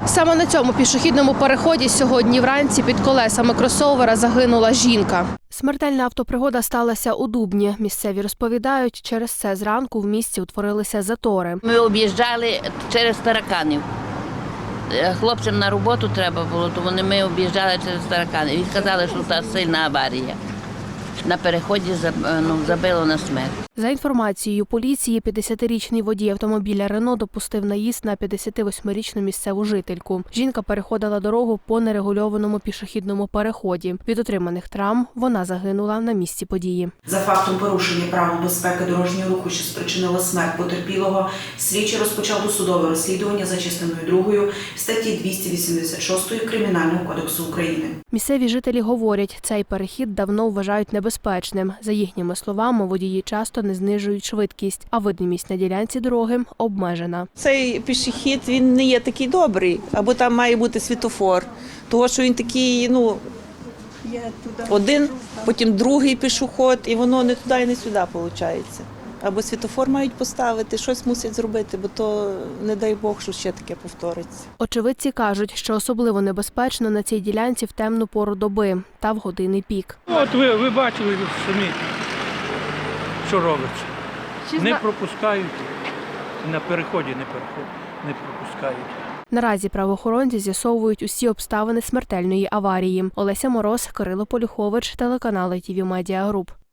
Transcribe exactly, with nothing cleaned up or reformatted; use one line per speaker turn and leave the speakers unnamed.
Саме на цьому пішохідному переході сьогодні вранці під колесами кросовера загинула жінка. Смертельна автопригода сталася у Дубні. Місцеві розповідають, через це зранку в місті утворилися затори.
Ми об'їжджали через Тараканів. Хлопцям на роботу треба було, то вони ми об'їжджали через Тараканів. І сказали, що це сильна аварія. На переході ну, забило на смерть.
За інформацією поліції, п'ятдесятирічний водій автомобіля «Рено» допустив наїзд на п'ятдесятивосьмирічну місцеву жительку. Жінка переходила дорогу по нерегульованому пішохідному переході. Від отриманих травм вона загинула на місці події.
За фактом порушення правил безпеки дорожнього руху, що спричинило смерть потерпілого, слідчий розпочав досудове розслідування за частиною другою статті двісті вісімдесят шість Кримінального кодексу України.
Місцеві жителі говорять, цей перехід давно вважають небезпечним. За їхніми словами, водії часто не знижують швидкість, а видимість на ділянці дороги обмежена.
Цей пішохід, він не є такий добрий, або там має бути світлофор, тому що він такий, ну, один, потім другий пішохід, і воно не туди і не сюди виходить. Або світлофор мають поставити, щось мусять зробити, бо то, не дай Бог, що ще таке повториться.
Очевидці кажуть, що особливо небезпечно на цій ділянці в темну пору доби та в години пік.
От ви, ви бачили самі, що робиться. Не пропускають, на переході не, переход, не пропускають.
Наразі правоохоронці з'ясовують усі обставини смертельної аварії. Олеся Мороз, Кирило Полюхович, телеканал ай ті ві Медіа Груп.